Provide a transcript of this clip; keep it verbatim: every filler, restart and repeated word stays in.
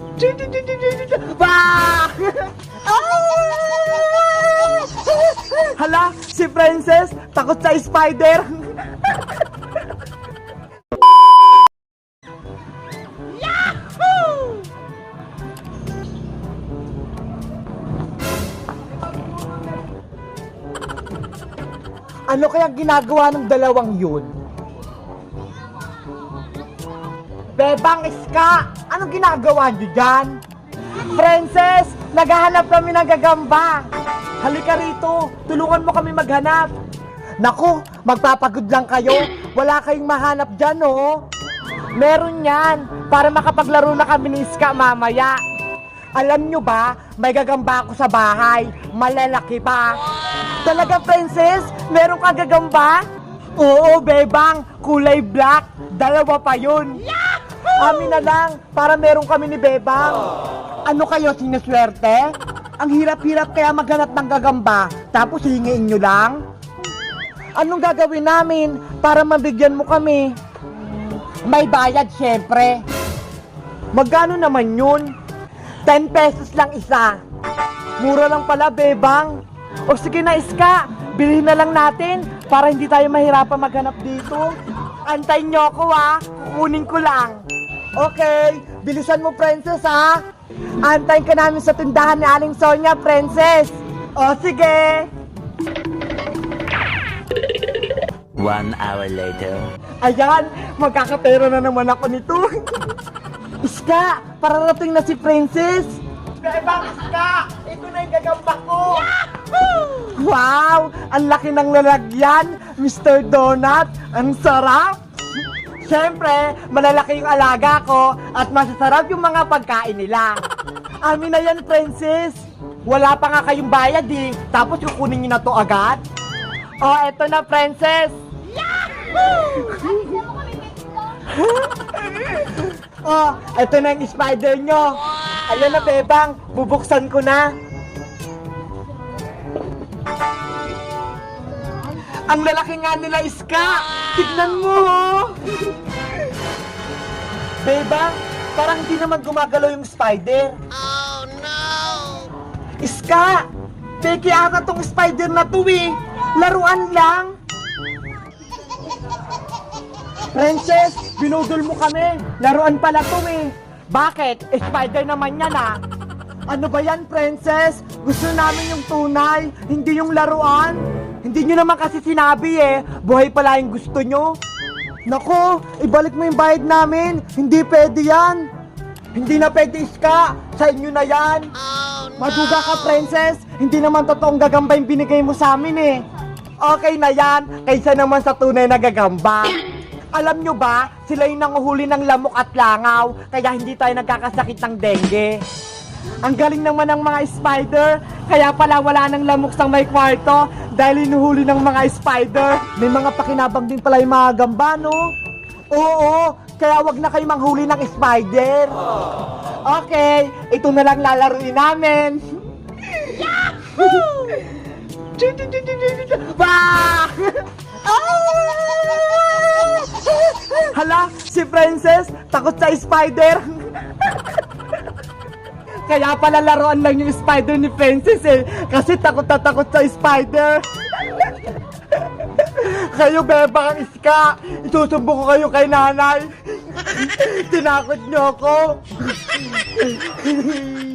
Bah! Hala, si Princess, takot sa spider. Yahoo! Ano kaya ginagawa ng dalawang yun? Bebang Iska, anong ginagawa niyo dyan? Princess, naghahanap kami ng gagamba. Halika rito, tulungan mo kami maghanap. Naku, magpapagod lang kayo. Wala kayong mahanap dyan, oh. Meron yan, para makapaglaro na kami ni Iska mamaya. Alam nyo ba, may gagamba ako sa bahay. Malalaki pa. Talaga, Princess? Meron kang gagamba? Oo, Bebang, kulay black. Dalawa pa yun. Amin na lang, para meron kami ni Bebang. Ano kayo, sinuswerte? Ang hirap-hirap kaya maghanap ng gagamba, tapos hingiin nyo lang? Anong gagawin namin para mabigyan mo kami? May bayad, syempre. Magkano naman yun? ten pesos lang isa. Mura lang pala, Bebang. O sige na, Iska, bilhin na lang natin para hindi tayo mahirapan maghanap dito. Antayin nyo ako, ha? Kukunin ko lang. Okay, bilisan mo, Princess, ha? Antayin ka namin sa tindahan ni Aling Sonia, Princess. O sige. One hour later. Ayan, magkakapera na naman ako nito. Iska, pararating na si Princess. Bebang Iska, ito na yung gagamba ko. Wow, ang laki ng lalagyan, Mister Donut. Ang sarap. Siyempre, malalaki yung alaga ko at masasarap yung mga pagkain nila. Amin na yan, Princess. Wala pa nga kayong bayad eh. Tapos kukunin nyo na to agad. Oh, eto na, Princess. Oh, eto na yung spider nyo. Ayan na, Bebang. Bubuksan ko na. Ang lalaki nga nila, Iska. Tignan mo. Bebang, parang hindi naman gumagalaw yung spider. Oh no! Iska, peke ata tong spider na to eh. Laruan lang. Princess, binudol mo kami. Laruan pala to eh. Bakit? Spider naman yan ah. Ano ba yan, Princess? Gusto namin yung tunay, hindi yung laruan. Hindi nyo naman kasi sinabi eh. Buhay pala yung gusto nyo. Nako, ibalik mo yung bayad namin. Hindi pwede yan. Hindi na pwede, Iska. Sa inyo na yan. Oh no! Maduga ka, Princess. Hindi naman totoong gagamba yung binigay mo sa amin eh. Okay na yan, kaysa naman sa tunay na gagamba. Alam nyo ba, sila yung nanguhuli ng lamok at langaw, kaya hindi tayo nagkakasakit ng dengue. Ang galing naman ng mga spider, kaya pala wala ng lamok sa may kwarto dahil inuhuli ng mga spider. May mga pakinabang din pala yung mga gamba, no? Oo, kaya wag na kayo manghuli ng spider. Okay, ito na lang lalaruin namin. Yahoo! Bah! Hala, si Princess, takot sa spider. Kaya pala laruan lang yung spider ni Princess eh. Kasi takot na takot sa spider. Kayo, Bebang Iska, isusumbo ko kayo kay nanay. Tinakot niyo ako.